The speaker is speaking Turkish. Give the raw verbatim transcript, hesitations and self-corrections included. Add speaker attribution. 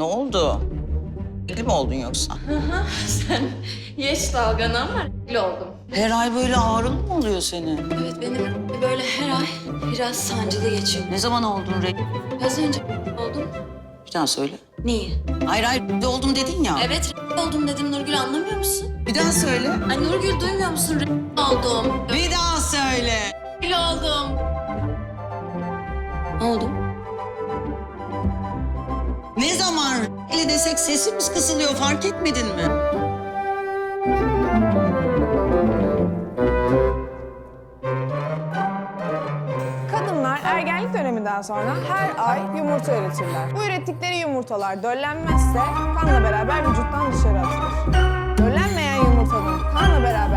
Speaker 1: oldu? Regl mi oldun yoksa?
Speaker 2: Sen geç dalganı ama regl oldum.
Speaker 1: Her ay böyle ağrın mı oluyor senin?
Speaker 2: Evet benim böyle her ay biraz sancılı geçiyor.
Speaker 1: Ne zaman oldun regl?
Speaker 2: Az önce oldum.
Speaker 1: Bir daha söyle.
Speaker 2: Niye?
Speaker 1: Hayır hayır regl oldum dedin ya.
Speaker 2: Evet regl oldum dedim Nurgül, anlamıyor musun?
Speaker 1: Bir daha söyle.
Speaker 2: Ay Nurgül, duymuyor musun? Regl oldum.
Speaker 1: Bir daha söyle.
Speaker 2: Regl oldum. Oldum.
Speaker 1: Ne zaman regl desek sesimiz kısılıyor, fark etmedin mi?
Speaker 3: Kadınlar ergenlik döneminden sonra her ay yumurta üretirler. Bu ürettikleri yumurtalar döllenmezse kanla beraber vücuttan dışarı atılır. Döllenmeyen yumurtanın kanla beraber